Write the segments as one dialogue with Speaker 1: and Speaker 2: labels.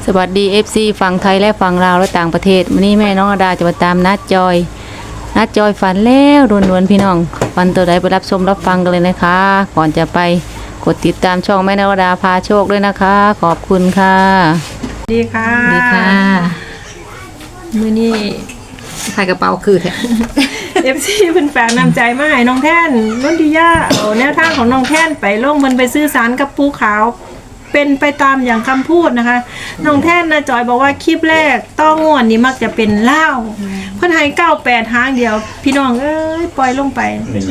Speaker 1: สวัสดี FC ฝั่งไทยและฝั่งลาวและต่างประเทศวันนี้แม่น้องอดาจะมาตามนัดจอยฝันแล้วรวนๆพี่น้องฝันตัวใดไปรับชมรับฟังกันเลยนะคะก่อนจะไปกดติดตามช่องแม่น้องอดาพาโชคด้วยนะคะขอบคุณค่ะ
Speaker 2: ดีค่ะ
Speaker 1: ดีค่ะ
Speaker 2: มื้อนี้
Speaker 1: ใส่กระเป๋าคือแท้
Speaker 2: FC เพิ่นฝากนำใจมาให้น้องแท่นนนทิยาเอาแนวทางของน้องแท่นไปลงมันไปซื้อสารกับปูขาวเป็นไปตามอย่างคำพูดนะคะน้องแท่นนะจอยบอกว่าคลิปแรกต้องงวดนี้มักจะเป็นเล่าเพิ่นให้98หางเดียวพี่น้องเอ้ยปล่อยลงไป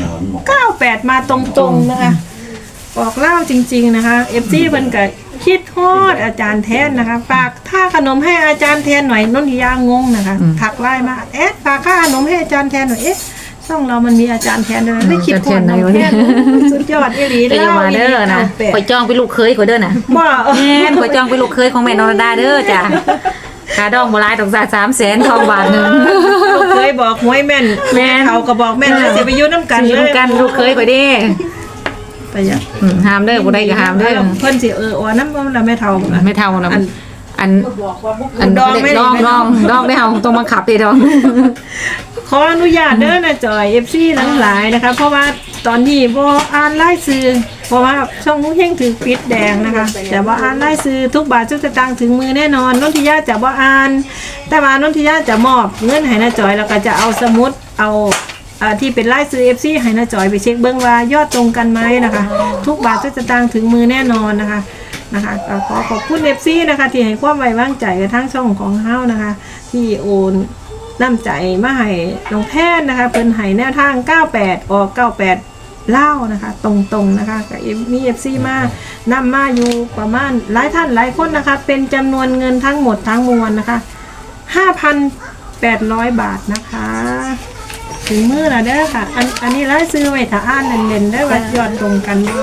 Speaker 2: 98มาตรงๆนะคะออกเล่าจริงๆนะคะ FC เพิ่นก็คิดฮอดอาจารย์แทนนะคะฝากค่าขนมให้อาจารย์แทนหน่อยนนทิยางงนะคะถักไลน์มาฝากค่าขนมให้อาจารย์แทนหน่อยช่องเรามันมีอาจารย์แทนด้วยไม่คิดฮอดน้องแทนสุดยอดอีหลีเล่าอีหลีนะ
Speaker 1: ข่อยจองไปลูกเคยข่อยเด้อน่ะ
Speaker 2: บ่
Speaker 1: แม่นข่อยจองไปลูกเคยของแม่นรดาเด้อจ้ะค่าดองบ่หลายต้องจ่าย300,000ทองบาทนึง
Speaker 2: ลูกเคยบอกหวยแม่นเขาก็บอกแม่นแล้วสิไปอยู่นำกันเลย
Speaker 1: นำกันลูกเคยข่อยเด้
Speaker 2: ไปจ้ะ
Speaker 1: ห้ามเด้อบ่ได้ก็ห้ามเด้อ
Speaker 2: เพิ่นสิอ๋อนำแล้วแม่เฒ่า
Speaker 1: ไม่เฒ่านะอันดองได้เฮาต้องบังคับดิดอง
Speaker 2: ขออนุญาตเด้อนะจอย FC ทั้งหลายนะคะเพราะว่าตอนนี้บ่อ่านรายชื่อเพราะว่าช่องเฮงถือปิดแดงนะคะแต่ว่าอ่านรายชื่อทุกบาททุกสตางค์ถึงมือแน่นอนนนทิยาจะบ่อ่านแต่ว่านนทิยาจะมอบเงินให้นะจอยแล้วก็จะเอาสมุดเอาที่เป็นรายชื่อ FC ให้นะจอยไปเช็คเบิ่งว่ายอดตรงกันไหมนะคะทุกบาททุกสตางค์ถึงมือแน่นอนนะคะขอขอบคุณ FC นะคะที่ให้ความไว้วางใจกับทั้งช่องของเฮานะคะที่โอนน้ำใจมาให้น้องแพทย์นะคะเพิ่นให้แนวทาง98ออก98เล่านะคะตรงๆนะคะกับมี FC มานำมาอยู่ประมาณหลายท่านหลายคนนะคะเป็นจำนวนเงินทั้งหมดทั้งมวลนะคะ 5,800 บาทนะคะถึงมื้อแล้วเด้อค่ะอันนี้รายซื้อไว้ถ้าอ่านเล่นๆได้ว่ายอดตรงกันบ่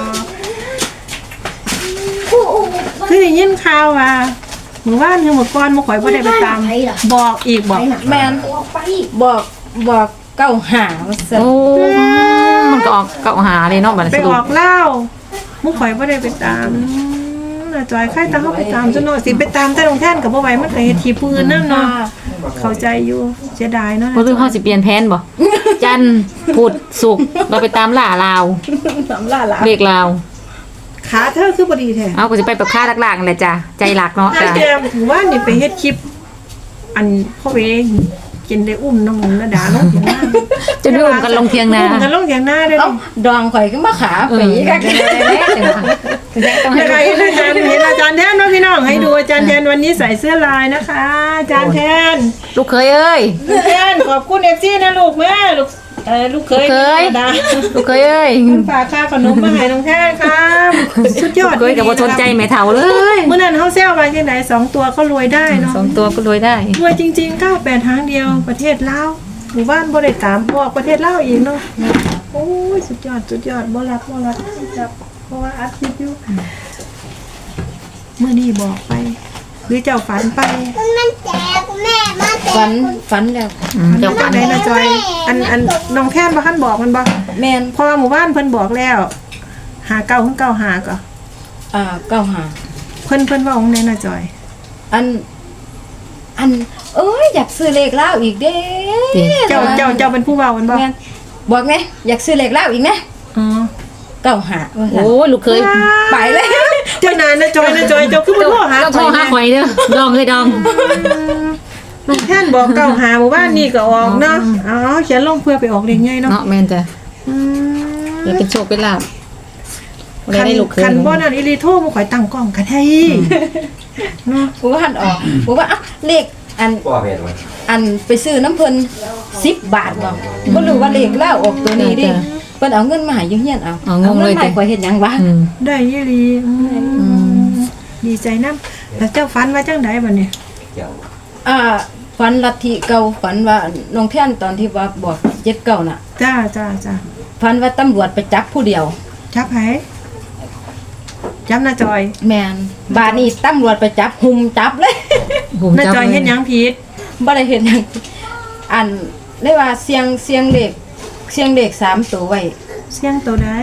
Speaker 2: คือได้ยินข่าวว่าเมื่อวานคือเมื่อก่อนบ่ข่อยบ่ได้ไปตามบอกอีกบอก
Speaker 3: แม่นบอกเก้าหาว่าซั่น
Speaker 1: โอ้มันก็ออกเก่าหาเลยเนาะบัดนี้
Speaker 2: ไปออกเล่าบ่ข่อยบ่ได้ไปตามน่ะจอยใครตามเฮาไปตามซะเนาะสิไปตามแต่โรงแท่นก็บ่ไหวมันก็เฮ็ดที่ปืนนำเนาะเข้าใจอยู่เสียดายเนาะ
Speaker 1: บ่รู้เฮาสิเปลี่ยนแผนบ่จันทร์พุธศุกร์เราไปตามล่าลาวเลขลาว
Speaker 2: ขาเธอคือบ่ดีแท้
Speaker 1: เอาก็สิไปแบบค่าหลักๆนั่นแหละจ้ะใจหลักเนาะจ้ะ
Speaker 2: แกถือว่านี่ไปเฮ็ดคลิปอันพ่อเวกินได้อุ้มน้องระดาลงเถียงนา
Speaker 1: จะได้อุ้มกันลงเถียงนา
Speaker 2: อุ้มกันลงเถียงนาได้
Speaker 3: ดองข่อยก็มาขาไปกัน
Speaker 2: ต้องให้อาจารย์เห็นอาจารย์แทนว่าพี่น้องให้ดูอาจารย์แทนวันนี้ใส่เสื้อลายนะคะอาจารย์แทน
Speaker 1: ลูกเคยเอ้ย
Speaker 2: ลูกแทนขอบคุณ FC นะลูกแม่ลูกเคย
Speaker 1: ลูกเคยเอ้ย
Speaker 2: ฝากค่าขนมมาให้น้องแทนครับสุดยอด
Speaker 1: เคยกับบ่สนใจแม่เฒ่าเลย
Speaker 2: เมื่อนั้นเฮาแซวว่าจังได๋2ตัวก็รวยได้เนาะ
Speaker 1: 2ตัวก็รวยได้
Speaker 2: รวยจริงๆ98ทางเดียวประเทศลาวหมู่บ้านบ่ได้ตามพวกประเทศลาวอีกเนาะโอ้ยสุดยอดบ่รับจับเพราะว่าอัดคลิปอยู่มื้อนี้บอกไปหรือเจ้าฝันไป
Speaker 3: มันแจกแม่มาแจกฝันแล้ว
Speaker 2: เจ้าฝันได้นะจอยอันน้องแท่นบ่ทันบอกมันบ่
Speaker 3: แม่น
Speaker 2: พอหมู่บ้านเพิ่นบอกแล้ว59ถึง95ก็
Speaker 3: 95
Speaker 2: เพิ่นเว้าของไหนนะจอย
Speaker 3: อันเอ้ยอยากซื้อเลขลาวอีกเด้
Speaker 2: เจ้าเป็นผู้เว้ามันบ่
Speaker 3: บอกไงอยากซื้อเลขลาวอีกนะ
Speaker 2: อ๋อ
Speaker 3: 95
Speaker 1: โอ้ลูกเคย
Speaker 3: ไปเลย
Speaker 2: เจ้านายนะจอยเจ้าคือบ่โทรหา
Speaker 1: ข่อยเด้อดองเลยดอง
Speaker 2: น้องแท่นบอก95หมู่บ้านนี่ก็ออกเนาะอ๋อเขียนลงเพื่อไปออกเลขใหญ่เนาะ
Speaker 1: แม่นจ้ะอย่าเป็นโชคเป็นลาภได้ลูกเคย
Speaker 2: คันบ่นั่นอีหลีโทรบ่ข่อยตั้งกล้องกันให้
Speaker 3: เนาะบ่ทันออกบ่ว่าเลขอันไปซื้อน้ำเพิ่น10 บาทบ่รู้ว่าเลขลาวออกตัวนี้ดิเพิ่นเอาเงินมาให้อยู่เฮียนเอา
Speaker 1: เงินเลย
Speaker 3: ข่อยเฮ็ดหยังวะ
Speaker 2: ได้อีหลีดีใจนำแล้วเจ้าฝันว่าจังได๋บัดนี้
Speaker 3: ฝันลัทธิเก่าฝันว่าน้องแท่นตอนที่ว่าบอก79น่ะ
Speaker 2: จ้า
Speaker 3: ฝันว่าตำรวจไปจับผู้เดียว
Speaker 2: จับไผจับน้าจอย
Speaker 3: แม่นบาดนี้ตำรวจไปจับหุ่มจับเลย
Speaker 2: น้าจอยเฮ็ดหยังผิด
Speaker 3: บ่ได้เฮ็ดหยังอันได้ว่าเสียงเลข3ตัวไว้
Speaker 2: เสียงตัวใด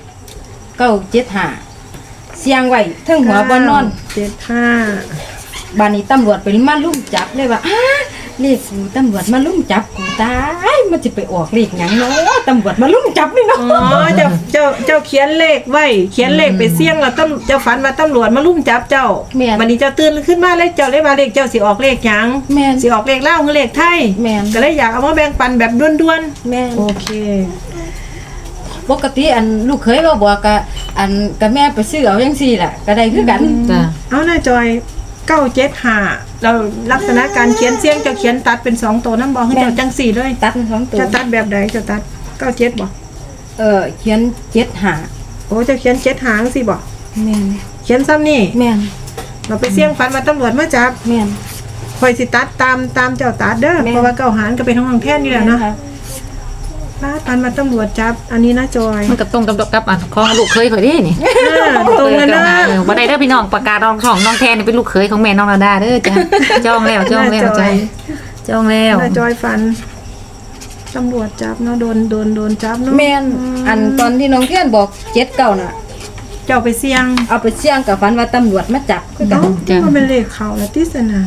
Speaker 3: 975เสียงไว้ถึงหัวบ่นอน
Speaker 2: 75
Speaker 3: บ้านนี้ตำรวจไปมาลุ่มจับเลยว่าเลขกูตำรวจมาลุ่มจับกูตายมันจะไปออกเลขหยังเนาะตำรวจมาลุ่มจับนี่เนาะ
Speaker 2: อ๋อเจ้าเขียนเลขไว้เขียนเลขไปเสี่ยงแล้วเจ้าฝันว่าตำรวจมาลุ่มจับเจ้าวันนี้เจ้าตื่นขึ้นมาเลยเจ้าเลยว่าเลขเจ้าสิออกเลขหยัง
Speaker 3: แม่น
Speaker 2: สิออกเลขลาวหรือเลขไทย
Speaker 3: แม่น
Speaker 2: ก็เลยอยากเอามาแบ่งปันแบบด่วน
Speaker 3: แม่น
Speaker 2: ๆโอเค
Speaker 3: ปกติอันลูกเคยว่าบอกกะอันกะแม่ไปซื้อเอาจังซี่ล่ะก็ได้คือกัน
Speaker 1: จ้ะ
Speaker 2: เอาหน้าจอย975เราลักษณะการเขียนเสียงเจ้าเขียนตัดเป็น2ตัวน้ำบอกให้เจ้าจังสี่เลย
Speaker 3: ตัด2ตัว
Speaker 2: จะตัดแบบใดจะตัด97บ่
Speaker 3: เขียน75
Speaker 2: โอ้เจ้าเขียน7หางสิบ่
Speaker 3: แม่น
Speaker 2: เขียนซ้ำนี่
Speaker 3: แม่น
Speaker 2: เราไปเสี่ยงฝันว่าตำรวจมาจับ
Speaker 3: แม่น
Speaker 2: คอยสิตัดตามเจ้าตัดเด้อ
Speaker 3: แม่
Speaker 2: เพราะว่าเก้าหารก็เป็นห้องแท่นนี่แหละเนาะปันมาตำรวจจับ อันนี้นะจอย
Speaker 1: มันก็ตรงกับอันของลูกเคยข่อยเด้นี่
Speaker 2: ตรงกันนะ
Speaker 1: บ่ได้เด้อพี่น้องประกาศรองช่องน้องแทนนี่เป็นลูกเคยของแม่น้องนาดาเด้อจ้ะจองแล้วจ้ะจองแล้ว
Speaker 2: น่าจอยฟันตำรวจจับเนาะโดนจับเนาะ
Speaker 3: แม่นอันตอนที่น้องเทียนบอก79น่ะ
Speaker 2: เจ้าไปเสี่ยง
Speaker 3: เอาไปเสี่ยงกับฝันว่าตำรวจมาจับคือกัน
Speaker 2: เนาะมันเป็นเลขเขาแล้วติสนะ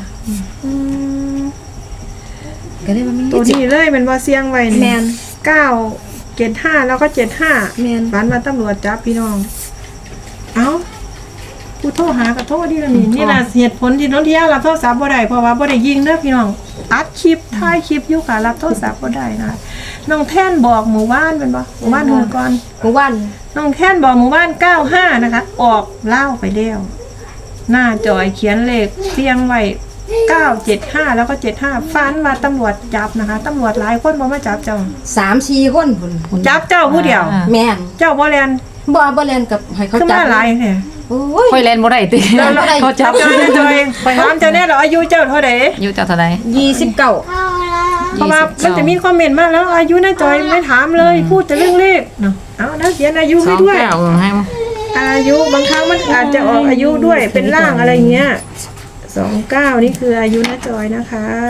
Speaker 3: ก็เลยว่ามี
Speaker 2: ตัวนี้เลยเป็นว่าเสี่ยงไว้
Speaker 3: แม่น
Speaker 2: 975แล้วก็75
Speaker 3: แม่น
Speaker 2: ฝันว่าตำรวจจับพี่น้องเอ้าผู้โทรหากับโทรดีแล้วนี่ล่ะเหตุผลที่น้องเที่ยวรับโทรศัพท์บ่ได้เพราะว่าบ่ได้ยิงเด้อพี่น้องอัดคลิปถ่ายคลิปอยู่ค่ะรับโทรศัพท์บ่ได้นะคะน้องแท่นบอกหมู่บ้านเป็นบ่หมู่บ้านหัวก่อน
Speaker 3: กูวัน
Speaker 2: น้องแท่นบอกหมู่บ้าน95นะคะออกเล่าไปแล้วหน้าจอยเขียนเลขเรียงไว้975แล้วก็75ฟันว่าตำรวจจับนะคะตำรวจหลายคนบ่มาจับเจ้า
Speaker 3: 3-4 คนพุ่น
Speaker 2: จับเจ้าผู้เดียว
Speaker 3: แม่น
Speaker 2: เจ้าบ่แลน
Speaker 3: บ่เล่นกับให้เขา
Speaker 2: ขึ้น
Speaker 3: จั
Speaker 2: มา
Speaker 3: บ
Speaker 2: หลายแท้
Speaker 3: โอ้ย
Speaker 1: ข่อยแล่นบ่ได้ติ
Speaker 2: เจ้า
Speaker 1: เขาจับ
Speaker 2: เจ้าจอยถามเจ้าแน่เหรออายุเจ้าเท่าใด
Speaker 1: อยู่เจ้าเท่าใด
Speaker 3: 29
Speaker 2: เพราะว่ามันจะมีคอมเมนต์มาแล้วอายุน้าจอยไม่ถามเลยพูดแต่เรื่องเลขเนาะเอาแล้วเขียนอายุให้ด้วย
Speaker 1: 29ให้
Speaker 2: อายุบางครั้งมันอาจจะออกอายุด้วยเป็นร่างอะไรเงี้ย29นี่คืออายุน้าจอยนะคะ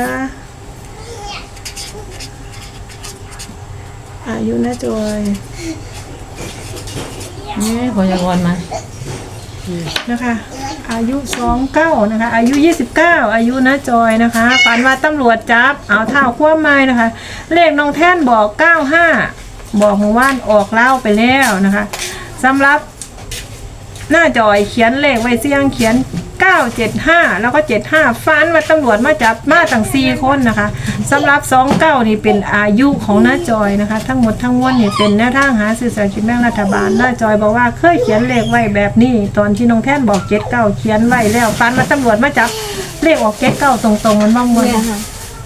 Speaker 2: อายุน้าจอย
Speaker 1: นี่ข่อยอยากวอนมา
Speaker 2: นะคะ อายุ29นะคะ อายุ29อายุน้าจอยนะคะฝันว่าตำรวจจับเอาเท้าคว่ำไม้นะคะ เลขน้องแท่นบอก95บอกหมู่บ้านออกเล่าไปแล้วนะคะสำหรับหน้าจอยเขียนเลขไว้เสียงเขียน975แล้วก็75ฟันว่าตำรวจมาจับมาตั้ง4คนนะคะสำหรับ29นี่เป็นอายุของหน้าจอยนะคะ ทั้งหมดทั้งมวลนี่เป็นแนวทางหาสื่อสารกินแบ่งรัฐบาลหน้าจอยบอกว่าเคยเขียนเลขไว้แบบนี้ตอนที่น้องแท่นบอก79เขียนไว้แล้วฟันว่าตำรวจมาจับเลขออก79ตรงๆมันบ้างมั้ย
Speaker 3: แม่ค่ะ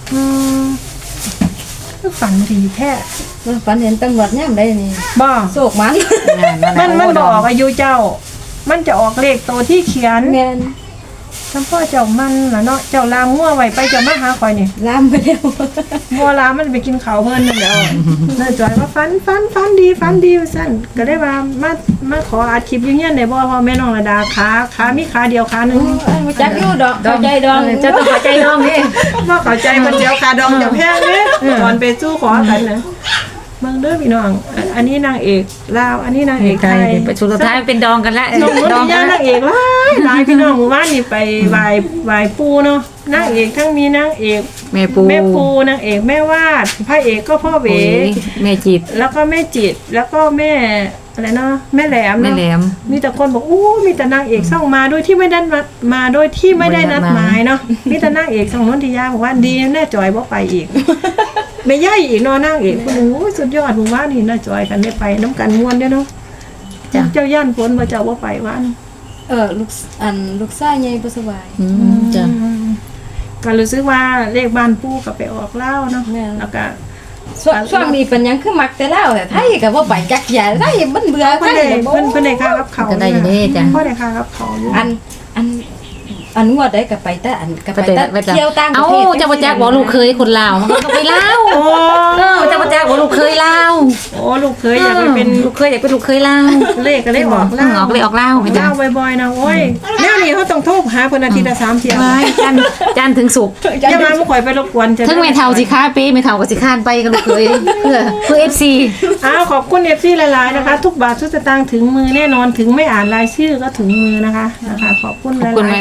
Speaker 2: ฝันดีแท้
Speaker 3: ฝันเห็นตำรวจยามใดนี่
Speaker 2: บ่
Speaker 3: โศกมัน
Speaker 2: มันบอกอายุเจ้า มันจะออกเลขตัวที่เขียน
Speaker 3: แม่น
Speaker 2: จำพ่อเจ้ามันล่ะเนาะเจ้าลามงัวไว้ไปเจ้ามาหาข่อยนี่
Speaker 3: ลามไปแล้ว
Speaker 2: งัวลามมันไปกินข้าวเพิ่นนั่นแหล้วน่าจอยว่าฟันดีว่าซั่นก็ได้ว่ามาขออัดคลิปอยู่เฮียนได้บ่พ่อแม่น้องระดาขามีขาเดียวขาหนึง
Speaker 3: มาจักอยู่ดอกเข้าใจดอง
Speaker 1: เจ้าต้องเข้าใจน้องนี่
Speaker 2: บ่เข้าใจมันเดียวขาดองเดียวแพงเด้ตอนไปสู้ขอกันนะเบิ่งเด้อพี่น้องอันนี้นางเอกลาวอันนี้นางเอกไทย
Speaker 1: ไปสุดท้ายเป็นดองกันละ
Speaker 2: น้อง
Speaker 1: ดอง
Speaker 2: ย่านางเอกหลายพี่น้องหมู่บ้านนี่ไปไหว้ปู่เนาะนางเอกทั้งมีนางเอก
Speaker 1: แม่ปู
Speaker 2: แม่ปูนางเอกแม่วาดพระเอกก็พ่อเว
Speaker 1: แม่จิต
Speaker 2: แล้วก็แม่จิตแล้วก็แม่อะไรเนาะแม่แหลม
Speaker 1: แม่
Speaker 2: เนาะ
Speaker 1: แหลม
Speaker 2: มีแต่คนบอกอู้มีแต่นางเอกส่องมาโดยที่ไม่ได้มาโดยที่ไม่ได้นัดหมายเนาะมีแต่นางเอกส่องนนทิยาบอกว่าดีแน่จอยบ่ไปอีก ไม่ย่อยอีกเนาะนางเอกคนนึงโอ้ยสุดยอดหมู่บ้านนี่น่าจอยกันได้ไปน้ำกันม่วนเด้อเนาะ
Speaker 1: จ้ะ
Speaker 2: เจ้าย่านฝนบ่เจ้าบ่ไปว่าน
Speaker 3: ลูกชายใหญ่บ่สบาย
Speaker 1: จ้ะ
Speaker 2: ก็รู้สึกว่าเลขบ้านปู่ก็ไปออกเล่าเนาะ
Speaker 3: แม่
Speaker 2: แล้วก็
Speaker 3: ช่วงนี้เป็นหยังคือมักแต่ลาวแต่ไทยก็บ่ไปจักอย่าไทยมันเบื่อไท
Speaker 2: เพิ่น
Speaker 3: ย
Speaker 2: ได้
Speaker 3: เลยบ่
Speaker 2: เพิ่นได้ค่ากับเขา
Speaker 1: ก็ได้อยู่เด้จ้ะ
Speaker 2: พ่อได้ค่ากับเขาอยู่
Speaker 3: อันงวดได้ก็ไปแต่ก็ไปแต่เที่ยวต่างประเทศ
Speaker 1: เอ้าเจ้าบ่จักบอกลูกเคยคนลาวมันก็ไปลาว
Speaker 2: โอ้
Speaker 1: เจ้าบ่จักบอกลูกเคยลาว
Speaker 2: โอ้ลูกเคยอยากไปเป็น
Speaker 1: ลูกเคยอยากเป็นลูกเคยลาว
Speaker 2: เลขก็เลขออก
Speaker 1: ออกเลยออกลาวไปจ้ะ
Speaker 2: เล่าบ่อยๆนะโอ้ยแนวนี้เขาต้องโทรหาเพิ่นอาทิตย์ละ3เที่ยว
Speaker 1: ไว้จันทร์ถึงศุกร์
Speaker 2: อย่ามาบ่ข่อยไปรบกวนจะ
Speaker 1: ถึงแม่เฒ่าสิค้าเป้แม่เฒ่าก็สิค้านไปกับลูกเคยเพื่อ FC
Speaker 2: อ้าวขอบคุณ FC หลายๆนะคะ ทุกบาททุกสตางค์ถึงมือแน่นอนถึงไม่อ่านรายชื่อก็ถึงมือนะคะขอบคุณห
Speaker 1: ขอบคุณ
Speaker 2: ลายๆที่
Speaker 1: ขอบคุณ
Speaker 2: ให้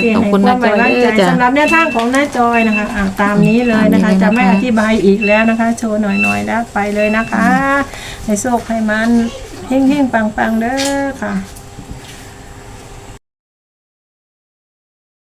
Speaker 2: ความไว้วางใจ
Speaker 1: จ้ะ
Speaker 2: สำหรับแนวทางของน้าจอยนะคะตามนี้เลยนะคะ
Speaker 1: ตามนี้เลยนะคะ
Speaker 2: จะไม่อธิบายอีกแล้วนะคะ โชว์หน่อยๆแล้วไปเลยนะคะให้โชคให้มันเฮงๆปังๆเด้อค่ะ